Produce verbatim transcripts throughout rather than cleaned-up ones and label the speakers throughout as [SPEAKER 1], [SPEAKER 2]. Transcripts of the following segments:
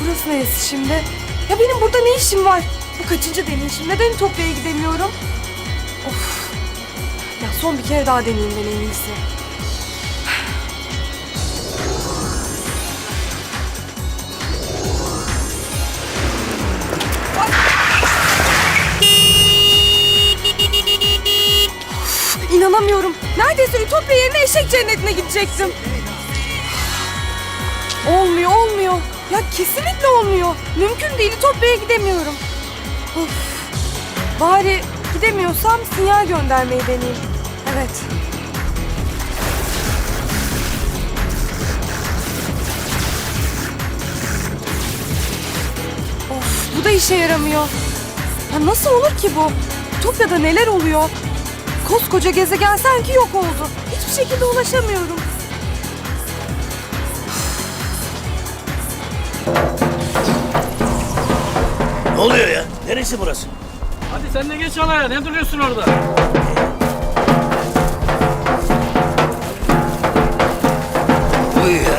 [SPEAKER 1] Burası neresi şimdi? Ya benim burada ne işim var? Bu kaçıncı deneyişim? Neden Ütopya'ya gidemiyorum? Of. Ya son bir kere daha deneyeyim ben en iyisi. Of, İnanamıyorum. Neredeyse Ütopya yerine eşek cennetine gidecektim. Olmuyor, olmuyor. Ya kesinlikle olmuyor. Mümkün değil, Ütopya'ya gidemiyorum. Of. Bari gidemiyorsam sinyal göndermeyi deneyeyim. Evet. Of, bu da işe yaramıyor. Ya nasıl olur ki bu? Ütopya'da neler oluyor? Koskoca gezegen sanki yok oldu. Hiçbir şekilde ulaşamıyorum.
[SPEAKER 2] Ne oluyor ya? Neresi burası?
[SPEAKER 3] Hadi sen de geç alaya. Ne duruyorsun orada?
[SPEAKER 2] Uyu ya.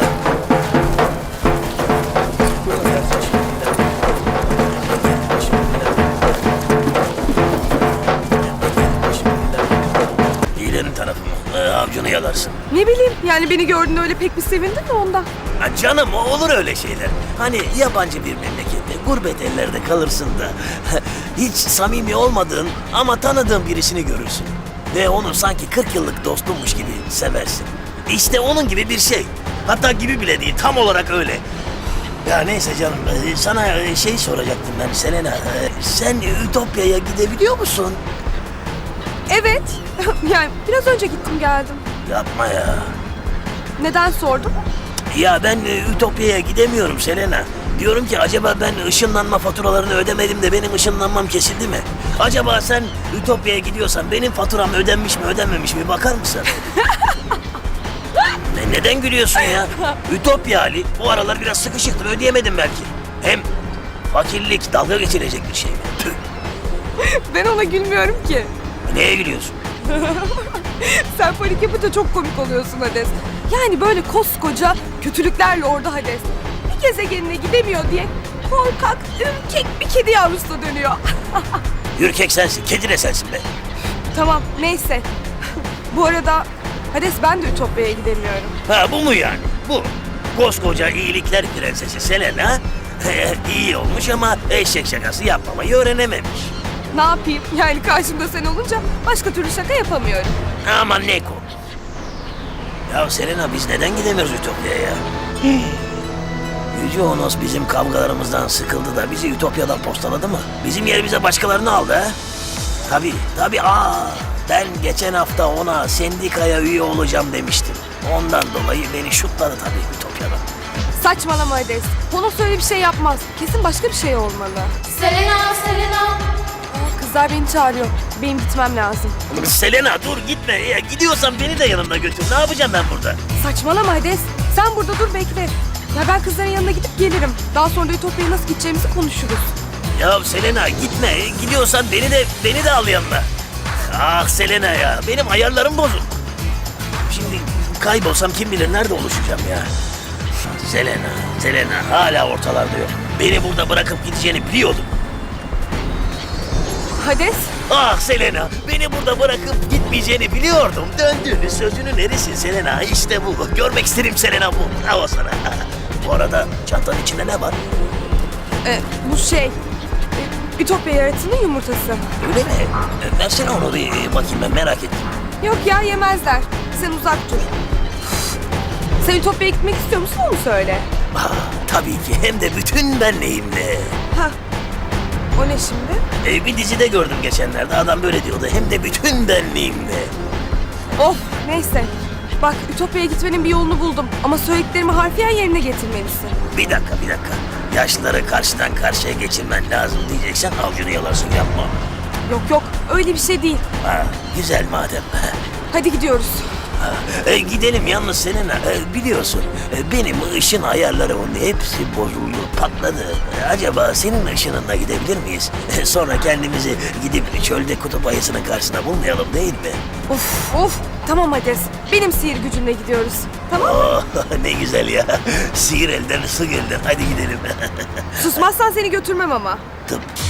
[SPEAKER 2] İyilerin tarafı mı? Ee, avcunu yalarsın.
[SPEAKER 1] Ne bileyim, yani beni gördüğünde öyle pek bir sevindin mi ondan?
[SPEAKER 2] Ha canım, olur öyle şeyler. Hani yabancı bir memlekette, gurbet ellerde kalırsın da hiç samimi olmadığın ama tanıdığın birisini görürsün. Ve onu sanki kırk yıllık dostunmuş gibi seversin. İşte onun gibi bir şey. Hatta gibi bile değil, tam olarak öyle. Ya neyse canım, e, sana e, şey soracaktım ben Selena. E, Sen Ütopya'ya gidebiliyor musun?
[SPEAKER 1] Evet. Yani biraz önce gittim geldim.
[SPEAKER 2] Yapma ya.
[SPEAKER 1] Neden sordun?
[SPEAKER 2] Ya ben e, Ütopya'ya gidemiyorum Selena. Diyorum ki acaba ben ışınlanma faturalarını ödemedim de benim ışınlanmam kesildi mi? Acaba sen Ütopya'ya gidiyorsan benim faturam ödenmiş mi ödenmemiş mi bakar mısın? ne, neden gülüyorsun ya? Ütopya Ali bu aralar biraz sıkışıktır, ödeyemedim belki. Hem fakirlik dalga geçilecek bir şey mi? Tüh.
[SPEAKER 1] Ben ona gülmüyorum ki.
[SPEAKER 2] Neye gülüyorsun?
[SPEAKER 1] Sen panik yapınca çok komik oluyorsun Hades. Yani böyle koskoca kötülüklerle orada Hades. Bir gezegenine gidemiyor diye korkak, ürkek bir kedi yavrusuna dönüyor.
[SPEAKER 2] Ürkek sensin, kedi de sensin be.
[SPEAKER 1] Tamam, neyse. Bu arada Hades, ben de Ütopya'ya gidemiyorum.
[SPEAKER 2] Ha bu mu yani? Bu. Koskoca iyilikler prensesi Selena iyi olmuş ama eşek şakası yapmamayı öğrenememiş.
[SPEAKER 1] Ne yapayım? Yani karşımda sen olunca başka türlü şaka yapamıyorum.
[SPEAKER 2] Aman ne komik. Ya Selena biz neden gidemiyoruz Ütopya'ya ya? Yüce Onos bizim kavgalarımızdan sıkıldı da bizi Ütopya'dan postaladı mı? Bizim yerimize başkalarını aldı ha? Tabii, tabii. Aa, ben geçen hafta ona sendikaya üye olacağım demiştim. Ondan dolayı beni şutladı tabii Ütopya'dan.
[SPEAKER 1] Saçmalama Hades. Honos öyle bir şey yapmaz. Kesin başka bir şey olmalı.
[SPEAKER 4] Selena, Selena.
[SPEAKER 1] Aa, kızlar beni çağırıyor. Benim gitmem lazım.
[SPEAKER 2] Selena dur gitme. Ya, gidiyorsan beni de yanımda götür. Ne yapacağım ben burada?
[SPEAKER 1] Saçmalama Hades. Sen burada dur, bekle. Ya ben kızların yanına gidip gelirim. Daha sonra da Ütopya'ya nasıl gideceğimizi konuşuruz.
[SPEAKER 2] Ya Selena gitme. Gidiyorsan beni de beni de al yanına. Ah Selena ya. Benim ayarlarım bozuk. Şimdi kaybolsam kim bilir nerede oluşacağım ya. Selena, Selena hala ortalarda yok. Beni burada bırakıp gideceğini biliyordum.
[SPEAKER 1] Hades,
[SPEAKER 2] Ah Selena, beni burada bırakıp gitmeyeceğini biliyordum. Döndüğünü sözünün erisin Selena. İşte bu. Görmek isterim Selena bu. Bravo sana. Bu arada çantanın içinde ne var?
[SPEAKER 1] e, bu şey... e, Ütopya yaratığının yumurtası.
[SPEAKER 2] Öyle mi? E, Versene onu bir e, bakayım, ben merak ettim.
[SPEAKER 1] Yok ya, yemezler. Sen uzak dur. Sen Ütopya'ya gitmek istiyor musun, onu söyle.
[SPEAKER 2] Ah, tabii ki, hem de bütün benliğimle.
[SPEAKER 1] Ha. O ne şimdi?
[SPEAKER 2] E, bir dizide gördüm geçenlerde, adam böyle diyordu. Hem de bütün benliğimle.
[SPEAKER 1] Of, neyse. Bak, Ütopya'ya gitmenin bir yolunu buldum. Ama söylediklerimi harfiyen yerine getirmelisin.
[SPEAKER 2] Bir dakika, bir dakika. Yaşlıları karşıdan karşıya geçirmen lazım diyeceksen avcunu yalarsın, yapma.
[SPEAKER 1] Yok yok, öyle bir şey değil.
[SPEAKER 2] Ha, güzel madem.
[SPEAKER 1] Hadi gidiyoruz.
[SPEAKER 2] E, gidelim yalnız Selena. E, biliyorsun e, benim ışın ayarlarımın hepsi bozuldu, patladı. E, acaba senin ışınınla gidebilir miyiz? E, sonra kendimizi gidip çölde kutup ayısının karşısına bulmayalım değil mi?
[SPEAKER 1] Of of. Tamam Hades. Benim sihir gücümle gidiyoruz. Tamam mı?
[SPEAKER 2] Oh, ne güzel ya. Sihir elden, su gölden. Hadi gidelim.
[SPEAKER 1] Susmazsan seni götürmem ama.
[SPEAKER 2] Tıp.